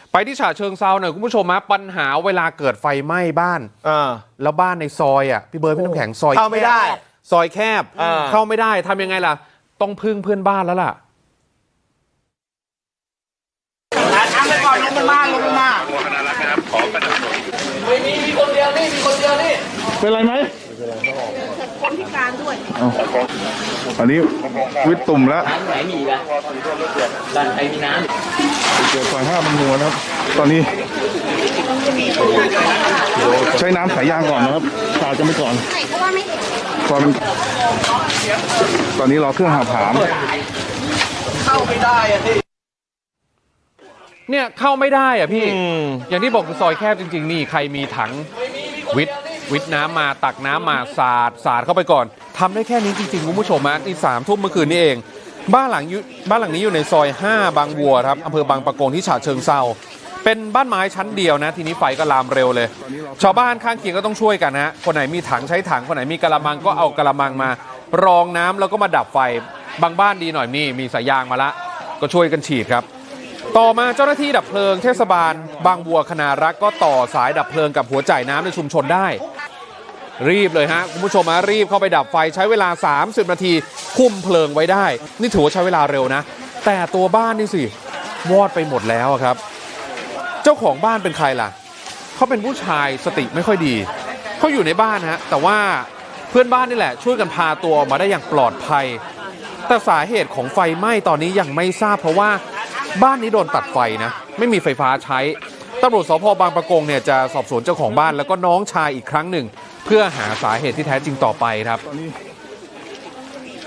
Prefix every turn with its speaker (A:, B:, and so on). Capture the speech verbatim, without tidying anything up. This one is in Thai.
A: ไปที่ฉะเชิงเซาหน่อยคุณผู้ชมฮะปัญหาเวลาเกิดไฟไหม้บ้านแล้วบ้านในซอยอ่ะพี่เบิร์ดพี่น้ำแข็งซอย
B: เข้าไม่ได้
A: ซอยแคบเข้าไม่ได้ทำยังไงล่ะต้องพึ่งเพื่อนบ้านแล้วล่ะ
C: ทำไปก่อนลงไปมาลงไปมาไม่มีมีคนเดียวนี่มีคนเดียวนี่
D: เป็นไรไหม
C: คนพิการด้วย
D: อันนี้วิตตุ่มแล้ว
E: น้ำไหนมีอีกอะดันไปมีน้ำ
D: เกิดไฟห้ามันมัวนะครับตอนนี้ใช้น้ำสายยางก่อนนะครับขาดจะไม่ก่อนเพราะว่าไม่ความตอนนี้รอเครื่องหาผาม
C: เข้าไม่ได้อะที่
A: เนี่ยเข้าไม่ได้อ่ะพี่อย่างที่บอกคือซอยแคบจริงๆนี่ใครมีถังวิทวิทน้ำมาตักน้ำมาสาดสาดเข้าไปก่อนทำได้แค่นี้จริงๆคุณผู้ชมฮะนี่สามทุ่มเมื่อคืนนี้เองบ้านหลังบ้านหลังนี้อยู่ในซอยห้าบางวัวครับอำเภอบางปะกงที่ฉะเชิงเทราเป็นบ้านไม้ชั้นเดียวนะทีนี้ไฟก็ลามเร็วเลยชาวบ้านข้างเคียงก็ต้องช่วยกันฮะคนไหนมีถังใช้ถังคนไหนมีกระมังก็เอากระมังมารองน้ำแล้วก็มาดับไฟบางบ้านดีหน่อยนี่มีสายยางมาละก็ช่วยกันฉีดครับต่อมาเจ้าหน้าที่ดับเพลิงเทศบาลบางบัวคณารักษ์ก็ต่อสายดับเพลิงกับหัวจ่ายน้ำในชุมชนได้รีบเลยฮะคุณผู้ชมมารีบเข้าไปดับไฟใช้เวลาสามสิบนาทีคุมเพลิงไว้ได้นี่ถือว่าใช้เวลาเร็วนะแต่ตัวบ้านนี่สิวอดไปหมดแล้วครับเจ้าของบ้านเป็นใครล่ะเขาเป็นผู้ชายสติไม่ค่อยดีเขาอยู่ในบ้านฮะแต่ว่าเพื่อนบ้านนี่แหละช่วยกันพาตัวมาได้อย่างปลอดภัยแต่สาเหตุของไฟไหม้ตอนนี้ยังไม่ทราบเพราะว่าบ้านนี้โดนตัดไฟนะไม่มีไฟฟ้าใช้ตำรวจสภ.บางปะกงเนี่ยจะสอบสวนเจ้าของบ้านแล้วก็น้องชายอีกครั้งหนึ่งเพื่อหาสาเหตุที่แท้จริงต่อไปครับ